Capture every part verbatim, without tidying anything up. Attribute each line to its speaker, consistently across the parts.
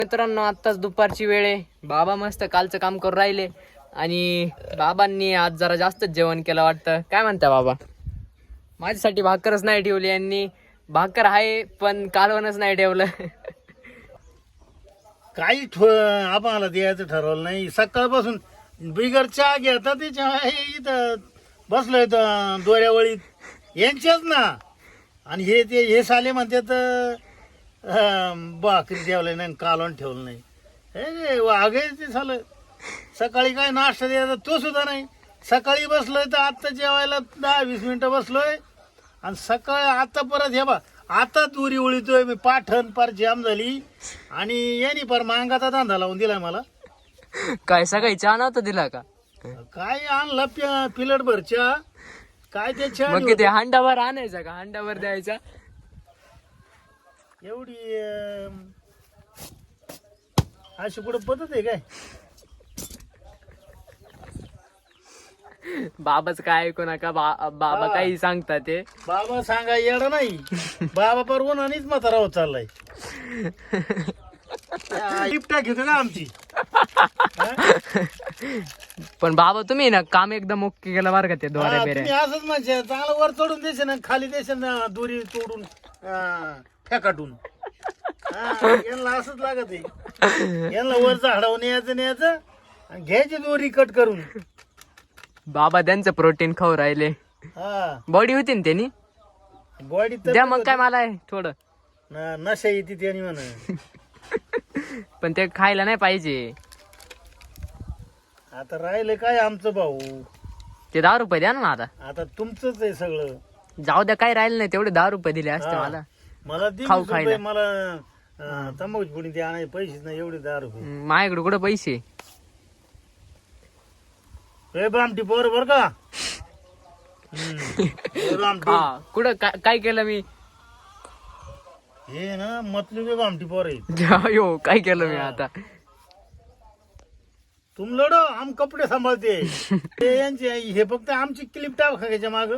Speaker 1: मित्रांनो आत्ताच दुपारची वेळ आहे. बाबा मस्त कालचं काम करून राहिले आणि बाबांनी आज जरा जास्तच जेवण केलं वाटतं. काय म्हणता बाबा? माझ्यासाठी भाकरच नाही ठेवली यांनी. भाकर आहे पण कालवणच नाही ठेवलं.
Speaker 2: काही आम्हाला द्यायचं ठरवलं नाही. सकाळपासून बिगर चहा घेता ते चहा इथं बसलोय दोऱ्यावळीत यांच्याच ना. आणि हे ते हे साले म्हणतात भाकरी ठेवलं नाही कालवण ठेवलं नाही. हे वाघ ते झालं. सकाळी काय नाश्ता द्यायचा तो सुद्धा नाही. सकाळी बसलोय तर आत्ता जेवायला दहा वीस मिनिटं बसलोय आणि सकाळी आता परत हे बा आता दुरी उळीतोय मी. पाठण पार जाम झाली आणि यांनी पार मांगाचा धंदा लावून दिलाय मला.
Speaker 1: काय सकाळी चहा नव्हता दिला का?
Speaker 2: काय आणलं पिलट भरच्या काय त्याच्या
Speaker 1: मग किती हांडावर आणायचा का? हांडावर द्यायचा.
Speaker 2: एवढी अं, अशी कुठं पद्धत आहे काय?
Speaker 1: बाबाच काय ऐकू नका. बा- बाबा काही सांगतात ते.
Speaker 2: बाबा सांगा येडा नाही. बाबा पर उन्हानेच म्हातारा होत चाललाय. लिफ्टा घेतो का आमची?
Speaker 1: पण बाबा तुम्ही ना काम एकदम ओके केलं बरं का ते द्वारे
Speaker 2: हा,
Speaker 1: बेरे.
Speaker 2: तुम्ही असंच म्हणजे चांगलं वर चढून देशील ना खाली देशील ना दोरी तोडून अं, फेकाटून. हा, यांना असंच लागत आहे. यांना वर झाडावर न्यायचं न्यायचं आणि घ्यायची दोरी कट करून.
Speaker 1: बाबा त्यांचं प्रोटीन खाऊ राहिले.
Speaker 2: हा
Speaker 1: बॉडी होती ना त्यांनी.
Speaker 2: बॉडी
Speaker 1: द्या मग काय मला आहे थोडं.
Speaker 2: नशा येते त्याने म्हणा.
Speaker 1: पण ते खायला नाही पाहिजे.
Speaker 2: आता राहिले काय आमचं भाऊ.
Speaker 1: ते दहा रुपये द्या ना आता.
Speaker 2: आता तुमचंच आहे सगळं.
Speaker 1: जाऊ द्या काही राहिलं नाही. तेवढे दहा रुपये दिले असते
Speaker 2: हा.
Speaker 1: मला.
Speaker 2: मला दे
Speaker 1: खाऊ
Speaker 2: वीस रुपये.
Speaker 1: खायला.
Speaker 2: मला तंबाखूची पुडी ते आणायचे पैसेच नाही एवढे दहा रुपये.
Speaker 1: हम्म, माझ्याकडे कुठं पैसे.
Speaker 2: ए बामटी पोर बर का. हम्म. ए बामटी.
Speaker 1: हा कुठं काय काय केलं मी?
Speaker 2: हे ना मतलबी बामटी पोर आहे.
Speaker 1: यो काय केलं मी आता?
Speaker 2: तुम लढो आम कपडे सांभाळते. ते यांचे हे फक्त आमची क्लिप टाकायच्या माग.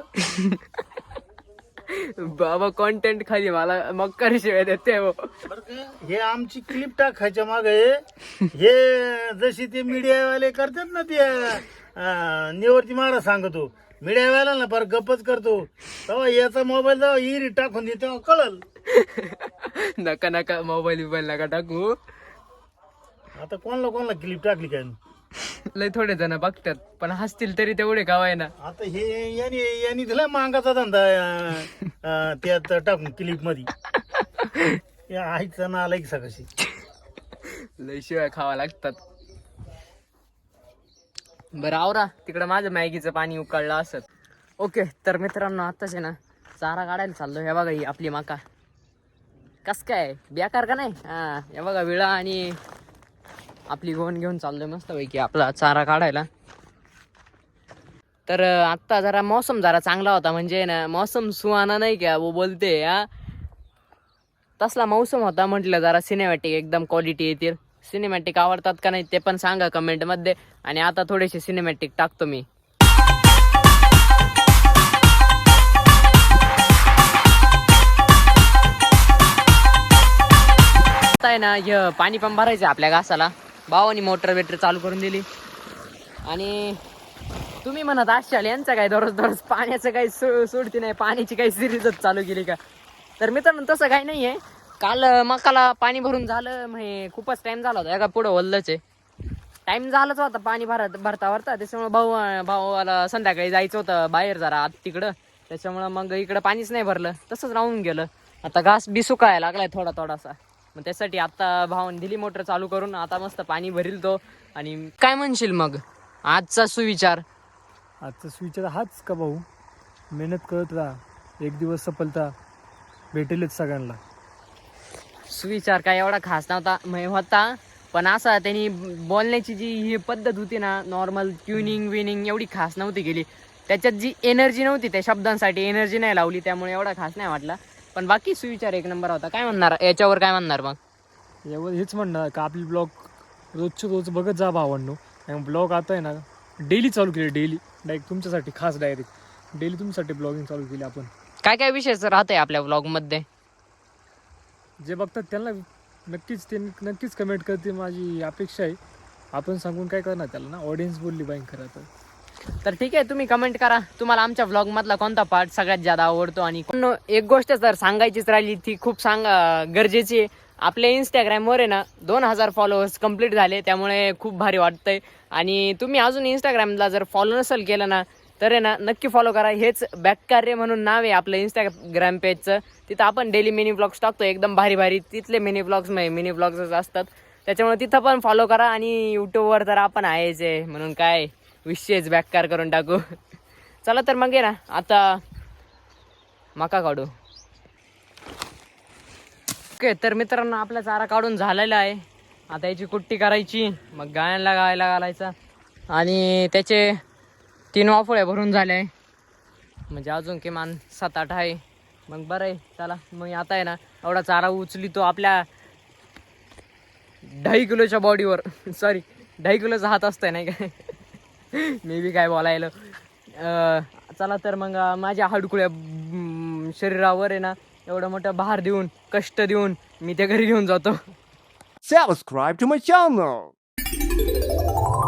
Speaker 1: बाबा कॉन्टेंट खाली मला मग करी शिवाय देते हो.
Speaker 2: हे आमची क्लिप टाकायच्या माग हे जशी ते मीडियावाले करतात ना ते अं, निवृत्ती महाराज सांगतो. मीडियावाला ना पर गप्पच करतो तेव्हा याचा मोबाईल जेव्हा इरी टाकून दे तेव्हा कळल.
Speaker 1: नका नका मोबाईल बिबाईल नका टाकू.
Speaker 2: आता कोणाला कोणाला क्लिप टाकली काय?
Speaker 1: लय थोडे जण बघतात पण हसतील तरी तेवढे गावाय ना.
Speaker 2: आता हे यांनी यांनी दिला मांगाचा धंदा अं, अं, त्यात टाकून क्लिप मध्ये. आईचा ना आला की सकाळशी
Speaker 1: लय शिवाय खावा लागतात. बरं आवरा तिकडं माझं मॅगीचं पाणी उकळलं असत. ओके तर मित्रांनो आताच आहे ना चारा काढायला चाललो. हे बघा ही आपली मका कस काय बेकार का नाही. हा हे बघा विळा आणि आपली गोण घेऊन चाललोय मस्त पैकी आपला चारा काढायला. तर आत्ता जरा मौसम जरा चांगला होता. म्हणजे ना मौसम सुहाना नाही का वो बोलते हा तसला मौसम होता. म्हटलं जरा सिनेमॅटिक एकदम क्वालिटी येतील. सिनेमॅटिक आवडतात का नाही ते पण सांगा कमेंटमध्ये. आणि आता थोडेसे सिनेमॅटिक टाकतो मी. आता आहे ना हे पाणी पण भरायचं आपल्या घासाला. भावानी मोटर वेटर चालू करून दिली. आणि तुम्ही म्हणत असाल यांचं काय दररोज दररोज पाण्याचं काही सो सोडती नाही. पाण्याची काही सिरीजच चालू केली का? तर मित्रांनो तसं काही नाही आहे. काल मकाला पाणी भरून झालं म्हणजे खूपच टाइम झाला होता. एका पुढं वल्लच आहे. टाइम झालाच होता पाणी भरत भरता भरता. त्याच्यामुळे भाऊ भावाला संध्याकाळी जायचं होतं बाहेर जरा आत तिकडं. त्याच्यामुळं मग इकडं पाणीच नाही भरलं. तसंच राहून गेलं. आता घास बी सुकायला लागलाय थोडा थोडासा. मग त्यासाठी आता भावाने दिली मोटर चालू करून. आता मस्त पाणी भरील तो. आणि काय म्हणशील मग आजचा सुविचार?
Speaker 3: आजचा सुविचार हाच का भाऊ, मेहनत करत राहा. एक दिवस सफलता भेटेलच सगळ्यांना.
Speaker 1: सुविचार काय एवढा खास नव्हता म्हणजे होता. पण असा त्यांनी बोलण्याची जी ही पद्धत होती ना नॉर्मल ट्युनिंग विनिंग एवढी खास नव्हती केली. त्याच्यात जी एनर्जी नव्हती त्या शब्दांसाठी एनर्जी नाही लावली. त्यामुळे एवढा खास नाही वाटला. पण बाकी सुविचार एक नंबर होता. काय म्हणणार याच्यावर काय म्हणणार मग?
Speaker 3: यावर हेच म्हणणार का आपली ब्लॉग रोजचे रोज बघत जा भावांनो. आणि ब्लॉग आता आहे ना डेली चालू केली. डेली डायरेक्ट तुमच्यासाठी खास डायरेक्ट डेली तुमच्यासाठी ब्लॉगिंग चालू केली आपण.
Speaker 1: काय काय विषय राहतंय आपल्या ब्लॉग मध्ये?
Speaker 3: जे बघतात त्यांना नक्कीच ते नक्कीच कमेंट करते, माझी अपेक्षा आहे. आपण सांगून काय करणार त्याला ना, ऑडियन्स बोलली बाईक खरं तर.
Speaker 1: तर ठीक आहे, तुम्ही कमेंट करा तुम्हाला आमच्या व्लॉग मधला कोणता पार्ट सगळ्यात जादा आवडतो. आणि कोण- एक गोष्ट जर सांगायचीच राहिली ती खूप सांगा गरजेची आहे. आपल्या इंस्टाग्रामवर आहे ना दोन हजार फॉलोअर्स कंप्लीट झाले, त्यामुळे खूप भारी वाटतंय. आणि तुम्ही अजून इंस्टाग्रामला जर फॉलो नसेल केलं ना तर आहे ना नक्की फॉलो करा. हेच बॅककार्य म्हणून नाव आहे आपलं इंस्टाग्राम पेजचं. तिथं आपण डेली मिनी ब्लॉग्स टाकतो एकदम भारी भारी. तिथले मिनी ब्लॉग्स मिनी ब्लॉग्स असतात, त्याच्यामुळे तिथं पण फॉलो करा. आणि यूट्यूबवर तर आपण आहेच आहे म्हणून काय विषयच बॅककार करून टाकू. चला तर मग आहे ना आता मका काढू. ओके तर मित्रांनो, आपला चारा काढून झालेला आहे. आता याची कुट्टी करायची, मग गायांना गायला घालायचा. आणि त्याचे तीन वाफोळ्या भरून झाल्या आहे, म्हणजे अजून किमान सात आठ आहे. मग बरं आहे, चला मग आता आहे ना एवढा चारा उचली तो आपल्या ढाई किलोच्या बॉडीवर, सॉरी ढाई किलोचा हात असतोय नाही काय. मी बी काय बोलायला. अं, चला तर मग अं, माझ्या हडकुळ्या अं, शरीरावर आहे ना एवढं मोठं भार देऊन कष्ट देऊन मी ते घरी घेऊन जातो.
Speaker 4: Subscribe to my channel.